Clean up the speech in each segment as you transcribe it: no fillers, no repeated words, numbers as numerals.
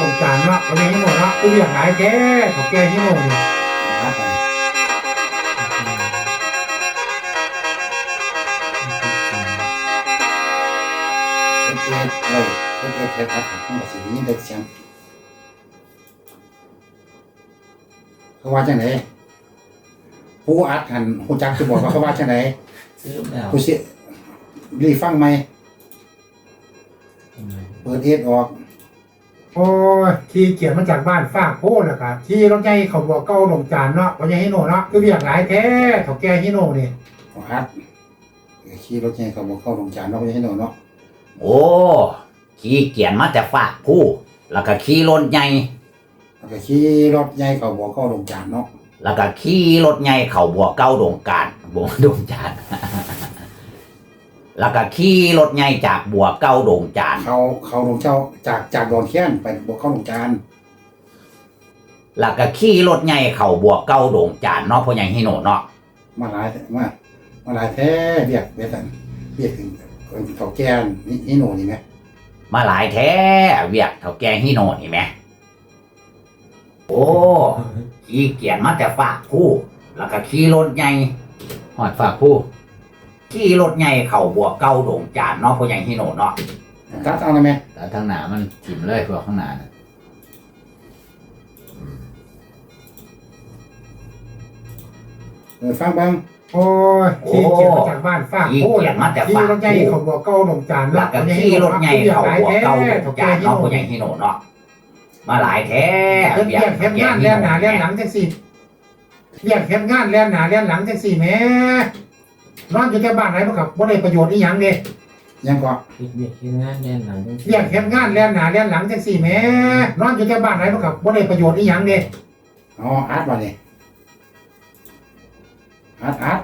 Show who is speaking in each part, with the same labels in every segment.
Speaker 1: ตรงจานเนาะวันนี้ให้หมดเนาะกูอยากหลายแท้ขอแก้ให้หมดเนี่ย
Speaker 2: ครับเอ็ดครับผมก็สิยินได้เสียงเขาว่าจังไหนผู้อัดหันผู้จักจะบอกว่าเขาว่าจังไหนผู้สิรีฟังไหมเปิดเอ็ดออก
Speaker 1: โอ้ยที่เกียนมาจากบ้านฝากโพดแล้วครับที่รถใหญ่เขาบอกเก้าลงจานเนาะวันนี้ให้หมดเนาะกูอยากหลายแท้ขอแก้ให้หมดเนี่ย
Speaker 2: อัดขี่รถใหญ่เขาบอกเข้าลงจานเนาะไม่ให้หนูเนาะ
Speaker 3: โอ้ขี่เกียนมาแต่ฝากผู้แล้วก็ขี่รถใหญ่
Speaker 2: แล้วก็ขี่รถใหญ่เขาบอกเข้าลงจานเนาะ
Speaker 3: แล้วก็ขี่รถใหญ่เขาบัวเก้าดงการบัวดงจานแล้วก็ขี่รถใหญ่จากบัวเก้าดงจาน
Speaker 2: เขาลงเจ้าจากดอนแค้นไปบอกเข้าลงจาน
Speaker 3: แล้วก็ขี่รถใหญ่เขาบัวเก้าดงจานเนาะพ่อใหญ่ฮิโนเนาะ
Speaker 2: มาหลายแท้เรียกเรียกถึงเขาแก่ฮิโนนี่ไหม
Speaker 3: มาหลายแท้เวียกเท่าแกฮิโนนี่ไหมโอ้ขี่เกียนมาแต่ฝากผู้แล้วก็ขี่รถใหญ่หอดฝากผู้ขี่รถใหญ่เขาบัวเก้าดงจานเนาะพ่อใหญ่ฮิโนเนาะ
Speaker 2: ตัดเอาเลยไหม
Speaker 3: แต่ทางหน้ามันจิ้มเลยพวกข้างหน้านะ
Speaker 2: ฟังบ้าง
Speaker 1: โอ้ยที่เกียนมาจากบ้านฝากโพดที่รถใหญ่เขาบอกเก้าลงจาน
Speaker 3: เนาะขี่รถใหญ่เขาบัวเก้าดงจานเนาะพ่อใหญ่ฮิโนเนาะมาหลายแท้
Speaker 1: เรียกแคบงานแล่นหน้าแล่นหลังจังสี่เรียกแคบงานแล่นหน้าแล่นหลังจังสี่แม่นอนอยู่แต่บ้านไหนบ่ครับบ่ได้ประโยชน์อีหยังเด้
Speaker 2: ยังก็
Speaker 4: เรียกแคบงานแล่นหลัง
Speaker 1: เรียกแคบงานแล่นหน้าแล่นหลังจังสี่แม่นอนอยู่แต่บ้านไหนบ่ครับบ่ได้ประโยชน์อีหยังเด้
Speaker 2: อ๋ออัดบ่นี่อัด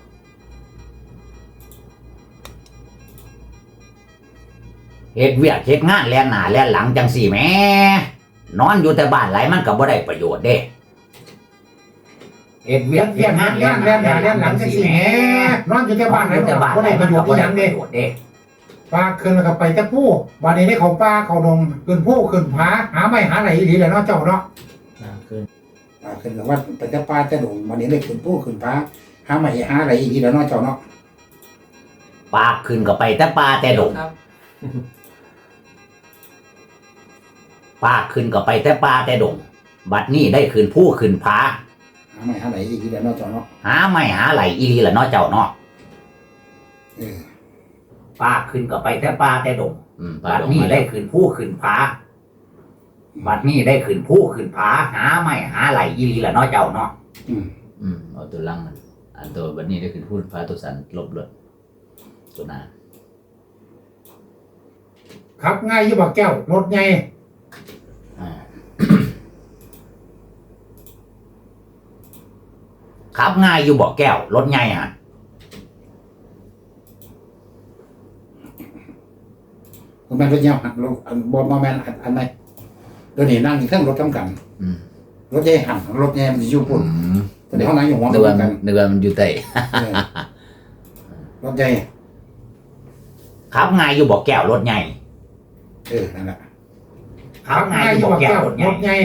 Speaker 3: เฮ็ดเวียกเฮ็ดงานแล่นหน้าแล่นหลังจังสี่แม่นอนอยู่แต่บ้านไหลมันก็บ่ได้ประโยชน์เด้เฮ็ดเวียกเฮ็ดงานแล่นหน้าแล่นหลังจังสี่แม่
Speaker 1: นอนอยู่แต่บ้านไหนบ่ได้ประโยชน์อีหยังเด้ปลาขึ้นแล้วก็ไปแต่ผู้บัดนี้ได้เขาปลาเขาดงขึ้นผู้ขึ้นผาหาไม้หาไหลอีหลีแหละเนาะเจ้าเนาะ
Speaker 2: ขึ้นกับว่าไปแต่ปลาแต่ดงบัดนี้ได้ขึ้นผู้ขึ้นผาหาไม้หาอะไรอีกทีแล้วเนาะเจ้าเนาะ
Speaker 3: ปลาขึ้นก็ไปแต่ปลาแต่ดงปลาขึ้นก็ไปแต่ปลาแต่ดงบัดนี้ได้ขึ้นผู้ขึ้นผา
Speaker 2: หาไม้หาไหลอีกทีแล้วเนาะเจ้าเนาะ
Speaker 3: หาไม้หาไหลอีหลีละเนาะเจ้าเนาะปลาขึ้นก็ไปแต่ปลาแต่ดงบัดนี้ได้ขึ้นผู้ขึ้นผาบัดนี้ได้ขึ้นผู้ขึ้นผาหาไม้หาไหลอีหลีละเนาะเจ้าเนาะ
Speaker 4: เอาตัวลังมันอันตัวบัดนี้ได้ขึ้นผู้ผาตัวสันลบเลยตัวหน้า
Speaker 1: ครับง่ายอยู่บ่แก้วรถใหญ่
Speaker 3: ครับง่ายอยู่บ่แก้วรถใหญ่ฮะ
Speaker 2: คุณแม่รถเงี้ยหันรถบอลมาแมนอันไหนเดี๋ยวนี้นั่งอยู่เครื่องรถทำกันรถใหญ่หันรถใหญ่มันอยู่ปุ่นแต่เดี๋ยวเขานั่งอยู่หัว
Speaker 4: กันเดือนมันอยู่ใต้
Speaker 2: รถใหญ่
Speaker 3: ครับง่ายอยู่บ่แก้วรถใหญ่
Speaker 2: นั่นแหละ
Speaker 3: ครับง่ายอยู่บ่แก้วรถใหญ่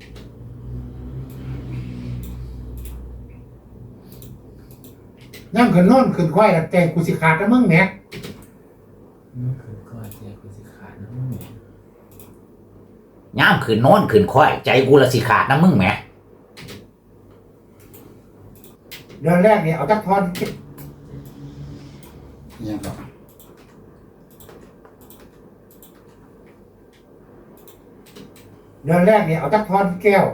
Speaker 1: ย่ำขึ้นโน่นขึ้นควายแต่กูสิขาดนะมึงเนี่ย
Speaker 3: ย่ามขึ้นโน้นขึ้นควายใจกูละสิขาดนะมึงแหม
Speaker 1: เดือนแรกเนี่ยเอาจักทอน
Speaker 2: ยังก็
Speaker 1: เดือนแรกเนี่ยเอาจักทอนแก้ว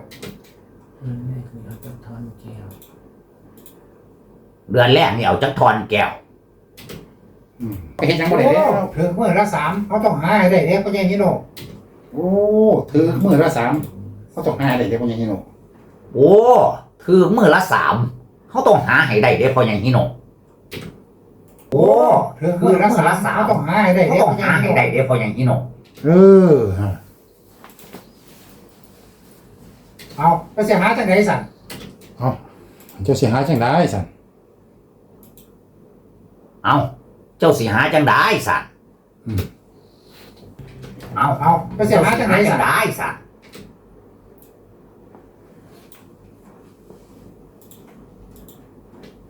Speaker 3: เดือนแรกนี่เอาจักทอนแก้ว
Speaker 2: ไปเห็นยังบ่ได้เด้
Speaker 1: ถึงเมื่อละ3เขาต้องหาให้ได้เด้พ่อใหญ่ฮิโน
Speaker 2: โอ้ถือมื้อละ3เขาต้องหาได้เด้พ่อใหญ่ฮิโน
Speaker 3: โอ้ถือมื้อละ3เขาต้องหาให้ได้เด้พ่อใหญ่ฮิโนโอ้
Speaker 1: ถึงมื้อละ3เขาต้องหาให้ได้เด้
Speaker 3: พ่อใหญ่ฮิโน
Speaker 1: เอาไปเสียหาจังได๋สั่น
Speaker 2: เจ้าสิหาจังได๋สั่น
Speaker 3: เอาเจ้าสิหาจังได้สั่นเอา
Speaker 1: ไปเสียหาจังได๋สั่น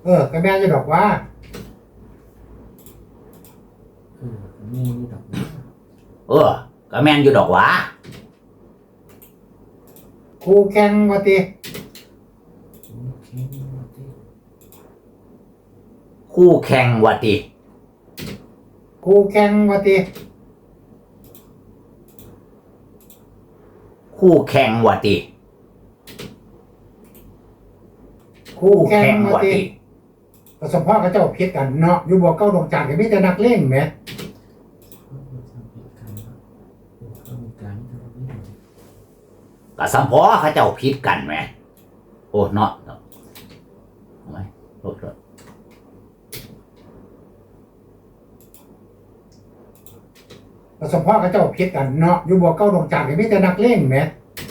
Speaker 1: ก็แม่จะบอกว่า
Speaker 5: มีนี่ดอก
Speaker 3: ก็แม่นอยู่ดอกหวะ
Speaker 1: ครูแข่งว่าติ
Speaker 3: คู่แข่งว่าติ
Speaker 1: ครูแข่งว่าติ
Speaker 3: คู่แข่งว่าติ
Speaker 1: ครูแข่งว่าติก็สมพ่อกับเจ้าเพียกันเนาะอยู่บ่เก้าดวงจันทร์ก็มีแต่นักเลงแหม
Speaker 3: ก็สัมพอเขาเจ้าผิดกันแหมโอ้เนาะเอาไหมโทษ
Speaker 1: ก็สมพ่อกับเจ้าเพียกันเนาะอยู่บ่เก้าดวงจันทร์ก็มีแต่นักเลงแหม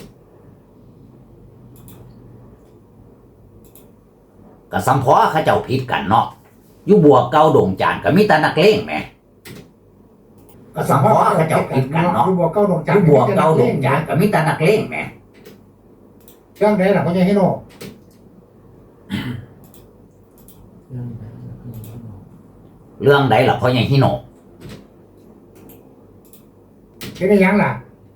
Speaker 3: ก็สัมพอเขาเจ้าผิดกันเนาะอยู่บัวเก่าดงจานก็มีแต่นักเลงแหม
Speaker 1: ก็สมพ่อกับเจ้าเพียกันเนาะอยู่บ่เก้าดวง
Speaker 3: อ
Speaker 1: จันท
Speaker 3: ยู่
Speaker 1: ร์ก็
Speaker 3: บัว
Speaker 1: มีแต่
Speaker 3: เก่า
Speaker 1: นักเลง
Speaker 3: ดงจานก็มีแต่นักเลงแหม
Speaker 1: เรื่องใดล่ะพ่อใหญ่ฮิโน
Speaker 3: เรื่องใดล่ะพ่อใหญ่ฮิโน
Speaker 1: เป็นได้หยังล่ะ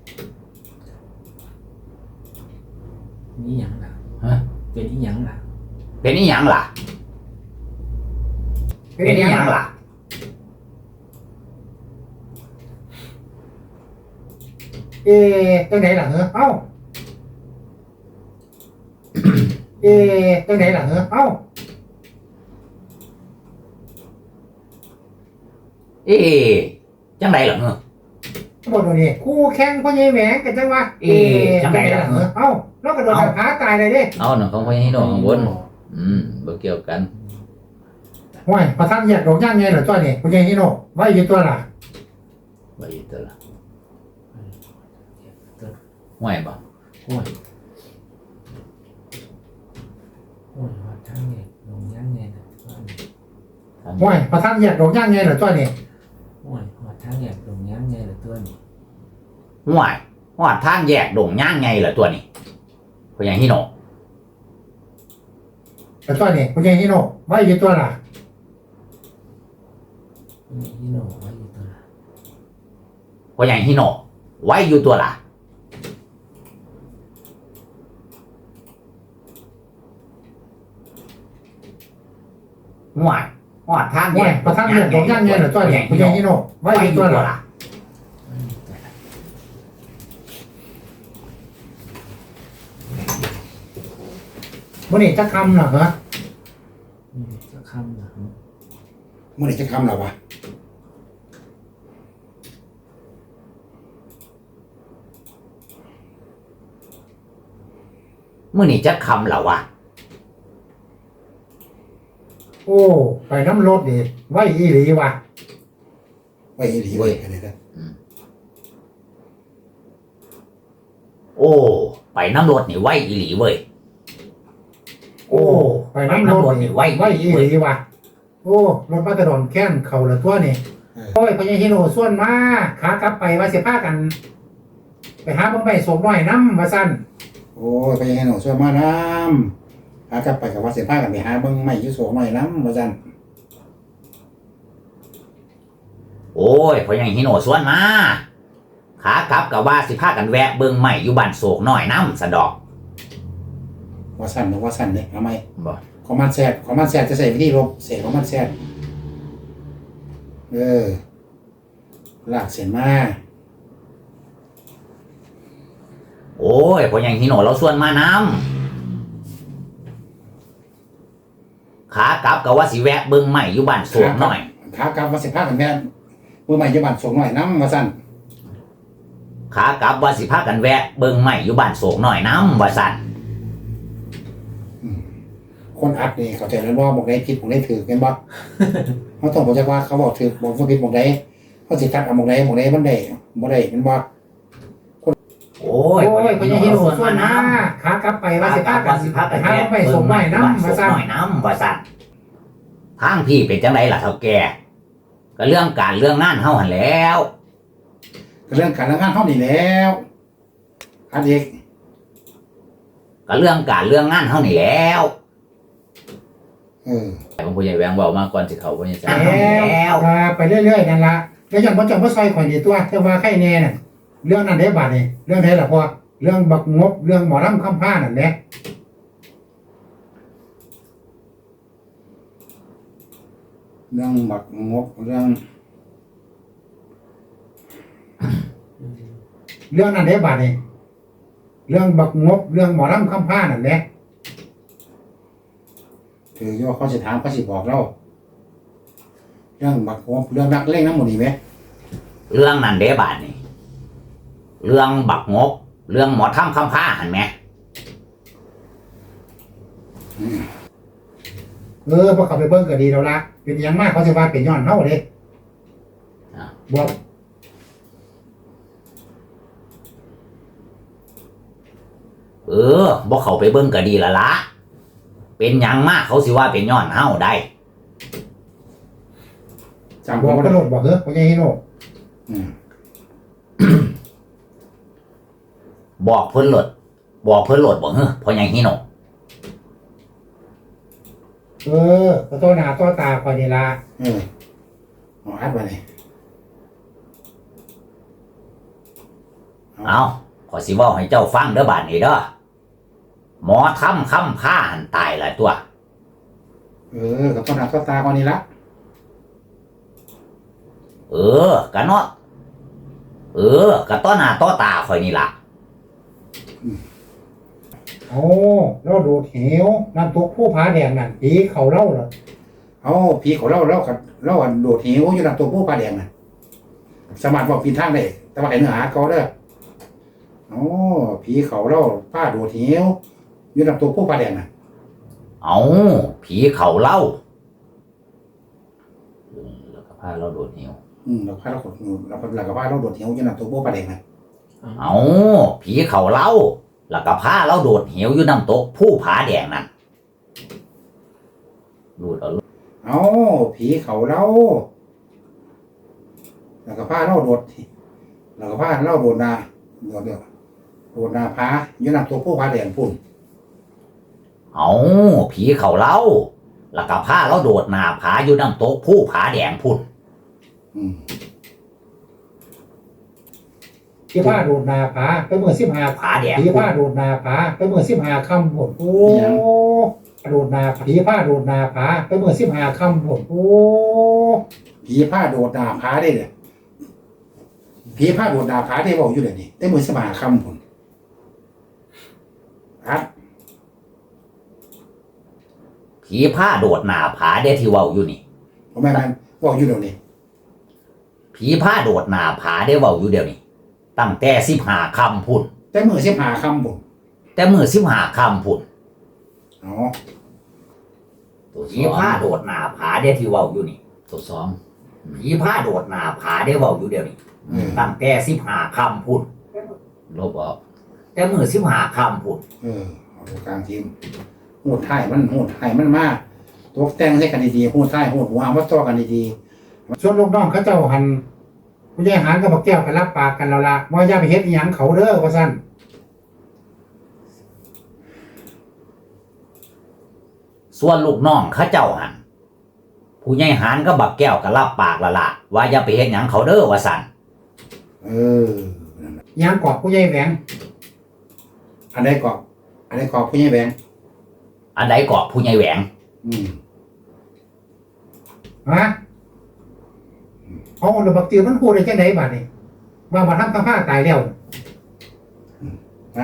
Speaker 5: นี่หยังล่ะ
Speaker 3: ฮะ
Speaker 5: เป็นอีหยังล่ะ
Speaker 3: เป็นอีหยังล่ะ
Speaker 1: เป็น
Speaker 3: เป็น
Speaker 1: ได้
Speaker 3: อี
Speaker 1: ห
Speaker 3: ห
Speaker 1: ยั
Speaker 3: ยัง ง
Speaker 1: ล่ะ
Speaker 3: ล่ะ
Speaker 1: จังไหนล่ะเหรอเอ้าจังไหนล่ะเหรอเอ้า
Speaker 3: เอ๊ะจังไดล่ะเนอะ
Speaker 1: บ่ดูนี่คู่แข่งพ่อใหญ่แหวงกันจังวะจังไหนล่ะเหรอเอ้าแล้วก็โดนหาตายเลยเด้
Speaker 4: เอาหนังของพ่อให้โดข้างบนบ่เกี่ยวกัน
Speaker 1: ห้วยประทันแยกดอกย่างไงเหรอจ้อยนี่พ่อใหญ่ฮิโนไว้อยู่ตัวล่ะ
Speaker 4: ไว้ตัวละห่วยบ่
Speaker 5: โอ้ยว่าทั้งเนี่ยลงยังไงนะว่า
Speaker 1: ห้วยประทันแยกดอกย่างไงเหรอจ้อยนี่
Speaker 5: โอ้ยว่าทั้งเนี่ยลงยังไงละตัวนี้
Speaker 3: ห่วยหอดทางแยกดงย่างไงล่ะตัวนี้พ่อใหญ่ฮิโน
Speaker 1: แต่จ้อยนี่พ่อใหญ่ฮิโนไว้อยู่ตัวล่ะ
Speaker 5: นี่ฮิโนว่าอยู่ตัวละ
Speaker 3: พ่อใหญ่ฮิโนไว้อยู่ตัวล่ะห่วยหอดทางแย
Speaker 1: ห้วย
Speaker 3: ก
Speaker 1: ประทันแยกดอกย่างไงเหรอจ้อยนี่พ่อใหญ่ฮิโนไว้อยู่ตัวล่ะมื้อนี้จะคำน่ะเหรอ
Speaker 5: จะคำนะ
Speaker 2: เมื่อไหร่จะคำเราวะ
Speaker 3: มื้อนี้จะคำเหรอวะ
Speaker 1: โอ้ไปน้ำรถดิไว้อีหลีว่ะ
Speaker 2: ไว้ดีไว้อะไรนะ
Speaker 3: โอ้ ไปน้ำรถนี่ไว้อีหลีเว้ย
Speaker 1: โอ้ไปน้ำรถนี่ไว้อีหลีว่ะโอ้รถบัสกระดอนแค้นเข่าละตัวนี่โอ้ยพ่อใหญ่ฮิโนส่วนมาขากลับไปว่าสิพากัน ไปหาบังไฟสมหน่อยน้ำว่าซั่น
Speaker 2: โอ้ยไปยังไงหนูช่วยมาน้ำหากลับไปกับว่าเสียผ้ากันไปหาเบิ้งไม่ยุ่โสหน่อยน้ำมาจัน
Speaker 3: โอ้ยพ่อใหญ่ฮิโนส่วนมาขากลับกับว่าสิพากันแวะเบิ่งใหม่อยู่บ้านโศกน้อยน้ำสะดอก
Speaker 2: ว่าสั้นหรือว่าสั้นเนี่ยทำไม
Speaker 3: บ่
Speaker 2: ของมันแซดจะใส่วิธีลบเสียของมันแซดลากเสียนมา
Speaker 3: โอ้ยพ่อใหญ่ฮิโนเราส่วนมาน้ำขากลับกับว่าสิแวะเบิ่งใหม่อยู่บ้านโศกน้อย
Speaker 2: ขากลับว่าเสียผ้ากันแม่มือใหม่จะบันส่งหน่อยน้ำมาสั้น
Speaker 3: ขากลับว่าสิพากันแวะเบิ่งใหม่อยู่บ้านโศกน้อยน้ำว่าสั่น
Speaker 2: คนอัดนี่เขาใจแล้วว่าบอกได้ผิดบอกได้ถือกันบ่เขาต้องบอกจากว่าเขาบอกถือบอกว่าผิดบอกได้เขาสิทัดเอาบอกได้มันได้บอกได้มันบ่
Speaker 3: โอ้ย
Speaker 1: โอ้ยพ่อใหญ่ฮิโนส่วนมาขากลับไปว่าสิพากันไปหาบังไฟสมหน่อยน้ำว่าซั่น
Speaker 3: น้อยน้ำว่าสั่นทางพี่เป็นจังไดล่ะเฒ่าแก่ก็เรื่องการเรื่องงานเฮาหันแหล้ว
Speaker 2: เรื่องการงานเขานี่แล้วอันเด็ก
Speaker 3: ก็เรื่องการเรื่องงานเฮานี่แหล้ว
Speaker 4: แต่ผมผู้ใหญ่แหวงเว้ามากก่อนสิเขาผู้ใหญ่แสน
Speaker 1: แล้วไปเรื่อยๆนั่นละแล้วยังบ่จำว่าซอยข่อยนี่ตัวแต่ว่าใครแน่น่ะเรื่องนั้นได้บาดนี่เรื่องไหนล่ะพ่อเรื่องบักงบเรื่องหมอลำคำผ้านั่นแหละ
Speaker 2: เรื่องบักงบเรื่อง
Speaker 1: เรื่องนั้นได้บาดนี่เรื่องบักงบเรื่องหมอลำคำผ้านั่นแหละ
Speaker 2: ถือว่าเขาสิถามเขาสิบอกเราเรื่องบักงบเรื่องนักเล่นน้ำหมดนี่ไหม
Speaker 3: เรื่องนั้นเด้บาดนี่เรื่องบักงกเรื่องหมอถ้ำคำผ้าหันไหม
Speaker 1: พอเขาไปเบิ่งก็ดีแล้วละเป็นอยังมากเขาสิว่าเป็นย้อนเฮาเด้บอก
Speaker 3: บ่เข้าไปเบิ่งก็ดีละละเป็นหยังมากเขาสิว่าเป็นย้อนเฮาได้
Speaker 2: จำ
Speaker 1: บอก
Speaker 2: เขา
Speaker 1: ตลอดบอกพ่อใหญ่ฮิโน
Speaker 3: บอกเพิ่นโหลดบอกบ่เฮ้อเพราะหยังฮิโน
Speaker 1: ก็ต่อหน้าต่อตาข่อยนี่ล่ะ
Speaker 2: เอาอัดไปเลย
Speaker 3: เอาขอยสิเว้าให้เจ้าฟังเด้อบาดนี้เด้อหมอถ้ำคำผ้าหันตายหลายตัว
Speaker 2: กับต้นหน้าต้นตาก่อนนี่ละ
Speaker 3: กะเนาะกะต้อหน้าต้อตาข่อยนี่ล่ะ
Speaker 1: เราโดดเหวน้ำตกผู้ผาแดงนั่นผีเขาเล่าเหรอ
Speaker 2: เอาผีของเราโดดเหวอยู่ลำตัวผู้ปลาแดงน่ะสามารถบอกปีนทางได้แต่ว่าไอ้เนื้อหาเขาเด้อผีเขาเราป้าโดดเหวอยู่ลำตัวผู้ปลาแดงน่ะ
Speaker 3: เอาผีเขาเล่า
Speaker 4: แล้วก็พาเราโดดเหว
Speaker 2: เราพาเราขดเราก็พาเราโดดเหวอยู่ลำตัวผู้ปลาแดงน่ะ
Speaker 3: เอาผีเขาเล่าแล้วก็พาเราโดดเหวอยู่น้ำตกผู้ผาแดงนั่น
Speaker 4: รูดเอา
Speaker 2: เอาผีเขาเราแล้วก็พาเราโดดแล้วก็พาเราโดดนาโดดนาพาอยู่ลำตัวผู้ปลาแดงพุ่น
Speaker 3: เอาผีเขาเล่าแล้วก็พาเราโดดหน้าผาอยู่น้ำตกผู้ผาแดงพุ่น
Speaker 1: ที่ผ้าโดดนาผาไปเมื่อ15
Speaker 3: ผาแดง
Speaker 1: ผีผ้าโดดนาผาไปเมื่อ15ค่ำหมดโดดนาผีผ้าโดดนาผาไปเมื่อ15ค่ำหมด
Speaker 2: ผีผ้าโดดนาพาได้เลยผีผ้าโดดนาพาได้บอกอยู่เลยนี่ได้มือสมาคำพุ่นครับ
Speaker 3: ผีผ้าโดดหน้าผาได้ที่เว้าอยู่นี่
Speaker 2: ผมแม่นบอกอยู่เดี๋ยวนี้
Speaker 3: ผีผ้าโดดหน้าผาได้เว้าอยู่เดี๋ยวนี้ตั้งแต่15ค่ำพุ่น
Speaker 2: แต่มือเสียหาคำพุ่น
Speaker 3: แต่มื้อ15ค่ำพุ่น
Speaker 2: อ๋อ
Speaker 4: ตัวส
Speaker 3: ผี
Speaker 4: อง
Speaker 3: ผ้าโดดหน้าผาได้ที่เว้าอยู่นี่
Speaker 4: ตัวสอง
Speaker 3: ผีผ้าโดดหน้าผาได้เว้าอยู่เดี๋ยวนี้ตั้งแต่15ค่ำพุ่น
Speaker 4: ลบออก
Speaker 3: แต่มื้อ15ค่ำพุ่น
Speaker 2: เอาตัวกลางทีมหูดไทยมันมากตัวแต่งให้กันดีๆหูดไทยหูดหัวเอามาต่อกันดี
Speaker 1: ส่วนลูกน้องเขาเจ้าหันผู้ใหญ่หารกับบักแก้วกันรับปากกันแล้วล่ะว่าอย่าไปเฮ็ดอีหยังเขาเด้อว่าซั่น
Speaker 3: ส่วนลูกน้องเขาเจ้าหันผู้ใหญ่หารก็บักแก้วก็รับปากและล่ะว่าอย่าไปเฮ็ดหยังเขาเด้อว่าซั่น
Speaker 2: นั่นแหละ
Speaker 1: อีหยังกอกผู้ใหญ่แหวง
Speaker 2: อันใดกอกผู้ใหญ่แบง
Speaker 3: อันใดก็ผู้ใหญ่แหวง
Speaker 1: ฮะแล้วบักจือมันพูดได้จังได๋บัดนี้ว่าบ่ทำคำผ้าตายแล้ว
Speaker 2: นะ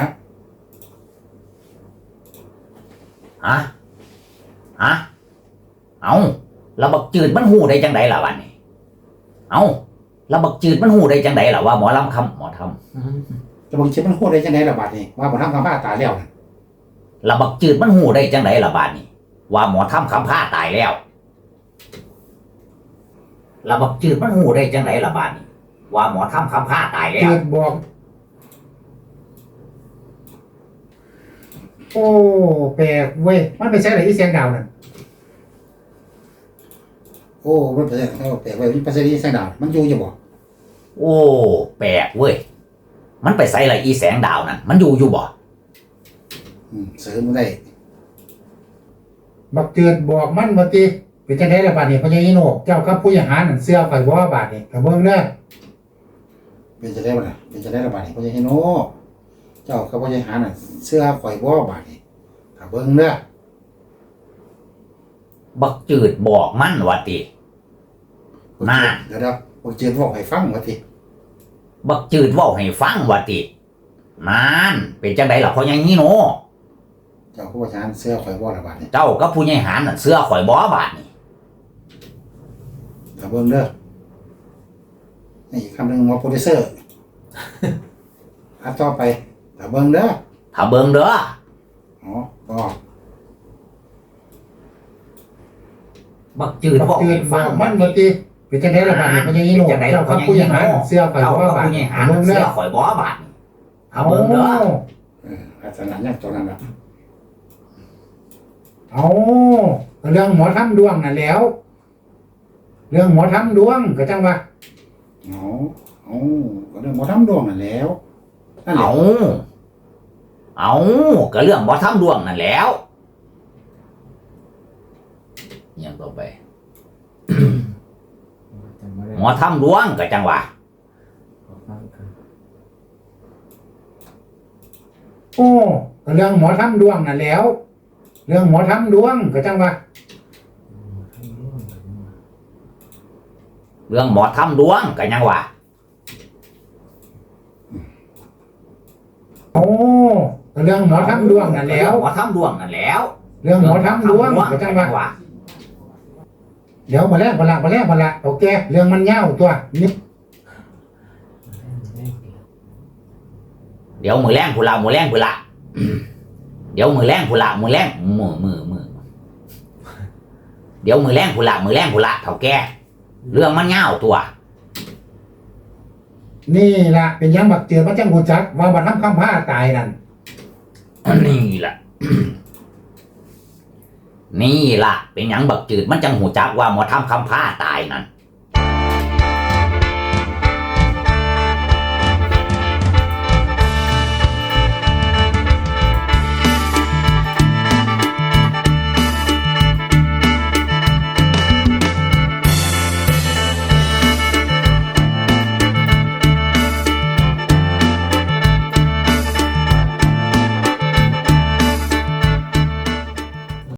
Speaker 3: ฮะเอาแล้วบักจืดมันหูได้จังไดล่ะวันนี้เอาแล้วบักจืดมันหูได้จังไดล่ะว่าหมอลำคำหมอทำ
Speaker 2: จะบอกชิดมันโคตรได้จังได๋ล่ะบาดนี้ว่าบ่ทำคำผ้าตายแล้วน่ะ
Speaker 3: แล้วบักจืดมันหูได้จังไดล่ะบาดนี้ว่าหมอทำคำผ้าตายแล้วแล้วบักจืดมันหูได้จังไดล่ะบาดนี้ว่าหมอทำคำผ้าตายแล้ว
Speaker 1: จืดบอกแปลกเว้ยมันไปใช้อะไรที่เสียงดาวนั่น
Speaker 2: มันแปลกไว้มันภาษาดีแสงดาวมันอยู่อยู่บ่
Speaker 3: โอ้แปลกเว้ยมันไปใส่อะไรอีแสงดาวนั่นมันอยู่บ่
Speaker 2: เสริมได้
Speaker 1: บักเจือดบอกมันบ่ติเป็นจังได๋ล่ะบาดนี้พญาฮิโนเจ้ากับผู้หารนั่นเสื้อข่อยบ่บาดนี้ก็เบิ่งเด้อ
Speaker 2: เป็นจะได้บ่ล่ะเป็นจะได้ระบาดนี่พ่อใหญ่โนเจ้ากับพ่อใหญ่หาน่ะเสื้อข่อยบ่บาดนี่ถ้าเบิ่งเด้อ
Speaker 3: บักจืดบอกมันว่าติ น่า
Speaker 2: เดี๋ยวผมเจียนบอกให้ฟังว่าที
Speaker 3: บักจืดเว้าให้ฟังว่าตินั่นเป็นจังไดล่ะพ่อใหญ่ฮีโน
Speaker 2: เจ้าผู้ประชาเสื้อข่อยบ่ระบาดนี่
Speaker 3: เจ้ากับผู้ใหญ่หารน่ะเสื้อข่อยบ่บาดนี่
Speaker 2: ถ้าเบิ่งเด้อนี่อีกคำหนึ่งว่าโปรดิวเซอร์ อัดต่อไปถ้าเบิ่งเด้อ
Speaker 3: ถ้าเบิ่งเด้อ
Speaker 2: อ๋อก็
Speaker 3: บักจืด
Speaker 1: บัก
Speaker 3: เว้า
Speaker 1: เจือ
Speaker 3: ให้
Speaker 1: ดบ
Speaker 3: ฟั
Speaker 1: อง กมันบ่ติเป็นจังได๋ล่ะบาดนี้พญาฮิโนเจ้ากับผู้หารนั่นเสื้อข่อย
Speaker 3: เจ้า
Speaker 1: บ่
Speaker 3: กับ
Speaker 1: บาด
Speaker 3: ผู้ใหญ่
Speaker 1: นี้
Speaker 3: หาร
Speaker 1: เบิ่ง
Speaker 3: เสื้
Speaker 1: เด้
Speaker 3: อ
Speaker 1: อ
Speaker 3: ข่อยบ่บาดนี่ถ้าเบิ่งเด้อ
Speaker 2: ลักษณะอย่างตัวนั้นล่ะ
Speaker 1: เอาเรื่องหมอทำดวงนั่นแหล้ว เรื่องหมอทำดวงก็จังว่า
Speaker 2: อ๋ออ๋อก็เรื่องบ่ทำดวงนั่นแหล้วนั่นแหละ
Speaker 3: เอาก็เรื่องบ่ทำดวงนั่นแหล้ว
Speaker 4: อย่างต่อไป
Speaker 5: จำไม่ได้
Speaker 3: หมอทำดวงก็จังว่า
Speaker 5: ขอฟังกัน
Speaker 1: โอ้ก็เรื่องหมอทำดวงนั่นแหล้ว เรื่องหมอทำดวงก็จังว่า
Speaker 5: ทำร่วมกันมา
Speaker 3: เรื่องหมอทำดวงก็ยังว่า
Speaker 1: โอ้ก็เรื่องหมอทำดวงนั่นแหล้ว
Speaker 3: หมอทำดวงนั่นแหล้ว
Speaker 1: เรื่องหมอทำดวงก็จังว่า เดี๋ยวมาแล้วโอเคเรื่องมันยาวตัวนี่
Speaker 3: เดี๋ยวมือแรงผู้ละเดี๋ยวมือแรงผู้ละมือเดี๋ยวมือแรงผู้ละเท่าแก่เรื่องมันยาวตัว
Speaker 1: นี่ล่ะเป็นหยังบักเจือมันจังหูจักว่าบัดทำคำผ้าตายนั่น
Speaker 3: นี่ล่ะ นี่ล่ะ เป็นหยังบักจืดมันจังหูจักว่าหมอทำคำผ้าตายนั่น